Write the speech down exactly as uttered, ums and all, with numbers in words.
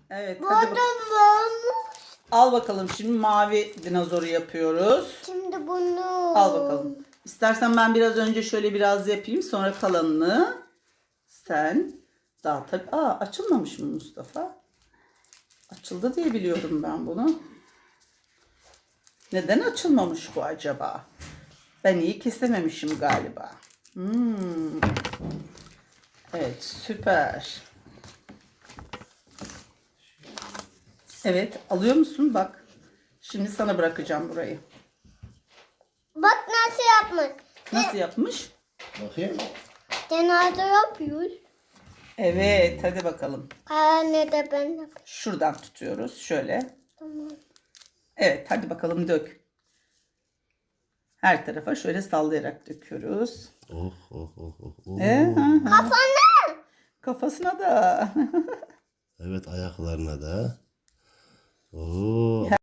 Evet, Bu hadi da bak. varmış. Al bakalım, şimdi mavi dinozoru yapıyoruz. Şimdi bunu. Al bakalım. İstersen ben biraz önce şöyle biraz yapayım, sonra kalanını sen daha tabii. Aa, açılmamış mı Mustafa? Açıldı diye biliyorum ben bunu. Neden açılmamış bu acaba? Ben iyi kesememişim galiba. Hmm. Evet, süper. Evet, alıyor musun? Bak. Şimdi sana bırakacağım burayı. Bak nasıl yapmak. Nasıl yapmış? Bakayım. Genelde yapıyoruz. Evet, hadi bakalım. Anne de ben yapayım. Şuradan tutuyoruz. Şöyle. Tamam. Evet, hadi bakalım dök. Her tarafa şöyle sallayarak döküyoruz. Oh oh oh oh. oh. Ee, hı hı. Kafana. Kafasına da. Evet, ayaklarına da. Oo.